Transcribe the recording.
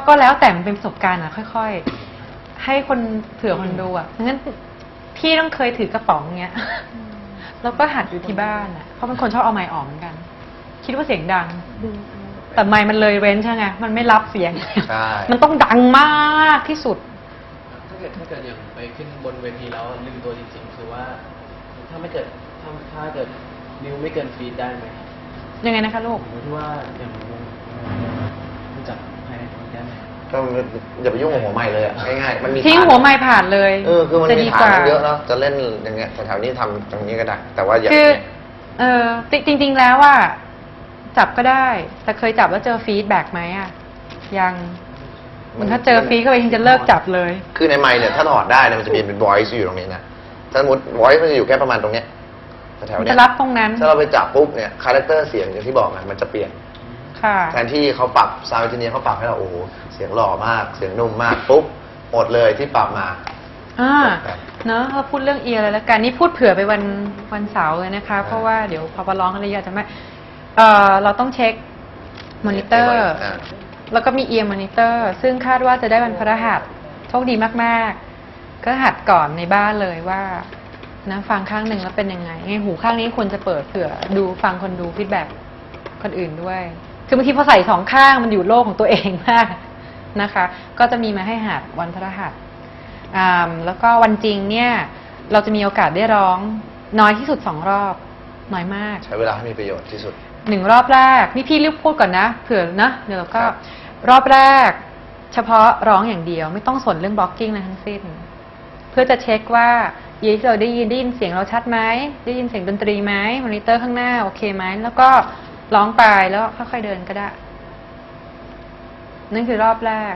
ก็แล้วแต่มันเป็นประสบการณ์อ่ะค่อยๆให้คนเผื่อคนดูอ่ะงั้นพี่ต้องเคยถือกระป๋องเงี้ยแล้วก็หัดอยู่ที่บ้านอ่ะเพราะเป็นคนชอบเอาไมค์ออกเหมือนกันคิดว่าเสียงดังแต่ไมค์มันเลยเว้นใช่ไงมันไม่รับเสียงมันต้องดังมากที่สุดถ้าเกิดอย่างไปขึ้นบนเวทีแล้วลืมตัวจริงๆคือว่าถ้าเกิดนิ้วไม่เกินฟีดได้ไหมยังไงนะคะลูกที่ว่าอย่างรู้จักภายในตรงนี้ได้ไหมก็อย่าไปยุ่งกับหัวไม้เลยง่ายๆมันมีทิ้งหัวไม้ผ่านเลยคือมันมีฐานเยอะเนาะจะเล่นอย่างเงี้ยแถวนี้ทำตรงนี้ก็ได้แต่ว่าอย่าคือจริงๆแล้วว่าจับก็ได้แต่เคยจับแล้วเจอฟีดแบ็กไหมอ่ะยังมันถ้าเจอฟีดก็ไปจะเลิกจับเลยคือในไมค์เนี่ยถ้าถอดได้เนี่ยมันจะเป็น voice อยู่ตรงนี้นะถ้าสมมติ voice มันจะอยู่แค่ประมาณตรงเนี้ยแถวเนี้ยจะรับตรงนั้นถ้าเราไปจับปุ๊บเนี่ยคาแรคเตอร์เสียงอย่างที่บอกนะมันจะเปลี่ยนแทนที่เขาปรับซาวด์เอนจิเนียร์เขาปรับให้เราโอ้โหเสียงหล่อมากเสียงนุ่มมากปุ๊บหมดเลยที่ปรับมาเนอะเราพูดเรื่องเอียร์เลยแล้วกันนี่พูดเผื่อไปวันเสาร์เลยนะคะเพราะว่าเดี๋ยวพอไปร้องอะไรจะไม่เราต้องเช็คมอนิเตอร์แล้วก็มีเอียร์มอนิเตอร์ซึ่งคาดว่าจะได้วันพฤหัสโชคดีมากๆก็หัดก่อนในบ้านเลยว่านะฟังข้างหนึ่งแล้วเป็นยังไงหูข้างนี้ควรจะเปิดเผื่อดูฟังคนดูฟีดแบ็กคนอื่นด้วยคือบางทีพอใส่สองข้างมันอยู่โลกของตัวเองมากนะคะก็จะมีมาให้หัดวันพฤหัสแล้วก็วันจริงเนี่ยเราจะมีโอกาสได้ร้องน้อยที่สุด2 รอบน้อยมากใช้เวลาให้มีประโยชน์ที่สุด 1 รอบแรกนี่พี่รีบพูดก่อนนะเผื่อนะเดี๋ยวเราก็รอบแรกเฉพาะร้องอย่างเดียวไม่ต้องสนเรื่องบล็อกกิ้งอะไรทั้งสิ้นเพื่อจะเช็คว่ายีที่เราได้ยินเสียงเราชัดไหมได้ยินเสียงดนตรีไหมมอนิเตอร์ข้างหน้าโอเคไหมแล้วก็ร้องไปแล้วค่อยๆเดินก็ได้นั่นคือรอบแรก